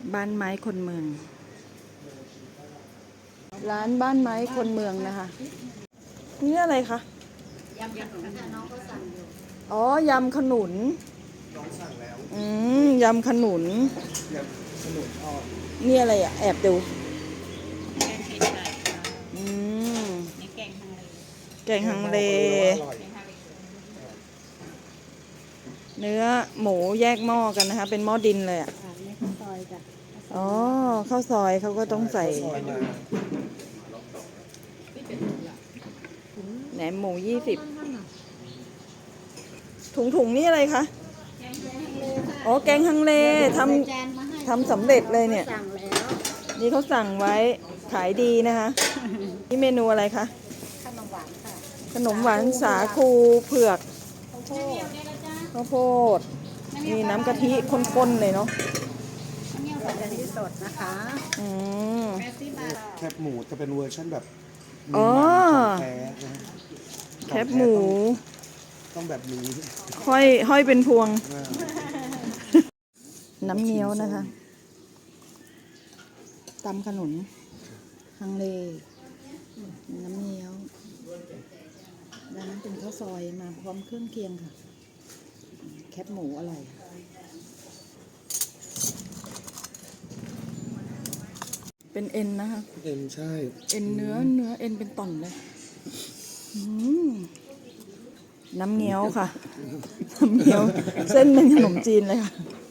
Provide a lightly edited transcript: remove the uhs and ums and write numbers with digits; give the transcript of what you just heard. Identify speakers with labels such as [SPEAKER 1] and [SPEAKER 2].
[SPEAKER 1] บ้านไม้คนเมือง ร้านบ้านไม้คนเมืองนะคะนี่อะไรคะ
[SPEAKER 2] ยำขนุนค่ะน้องเขาสั่งอยู่
[SPEAKER 1] อ๋อยำขนุน
[SPEAKER 3] น้องสั่งแล้ว
[SPEAKER 1] ยำขนุน
[SPEAKER 3] ยำขนุนทอด
[SPEAKER 1] นี่อะไรอ่ะแอบดู
[SPEAKER 2] แกงเห็ดไก่ค่ะนี่แกงฮังเล
[SPEAKER 1] แกงฮังเลเนื้อหมูแยกหม้อกันนะคะเป็นหม้อดินเลยอ่ะ
[SPEAKER 2] นี่ข้าวซอยจ้ะ
[SPEAKER 1] อ๋อข้าวซอยเขาก็ต้องใส่แหนมหมู20ถุงนี่อะไรคะอ๋อแกงฮังเลทำสำเร็จเลยเนี่ย
[SPEAKER 2] สั่งแล้ว
[SPEAKER 1] นี่เขาสั่งไว้ขายดีนะคะนี่เมนูอะไรคะ
[SPEAKER 2] ขนมหวานค่ะ
[SPEAKER 1] ขนมหวานสาคูเผือก
[SPEAKER 2] ข้าวโพด
[SPEAKER 1] ข้าวโพดนี่น้ำกะทิข้นๆเลยเนาะ
[SPEAKER 2] กะทิสดนะคะ
[SPEAKER 3] แคบหมูจะเป็นเวอร์ชันแบบ
[SPEAKER 1] อ๋อ
[SPEAKER 3] แท้นะ
[SPEAKER 1] แคบหมู
[SPEAKER 3] ต้องแบบนี้
[SPEAKER 1] ห้อยเป็นพวงน้ำเงี้ยวนะคะตำขนุนฮังเลน้ำเงี้ยวด้านนั้นเป็นข้าวซอยมาพร้อมเครื่องเคียงค่ะแคบหมูอร่อยเป็นเอ็นนะคะ
[SPEAKER 3] เอ็นใช่
[SPEAKER 1] เอ็นเนื้อเอ็นเป็นต่อนเลยน้ำเงี้ยวค่ะน้ำเงี้ยวเส้นเป็นขนมจีนเลยค่ะ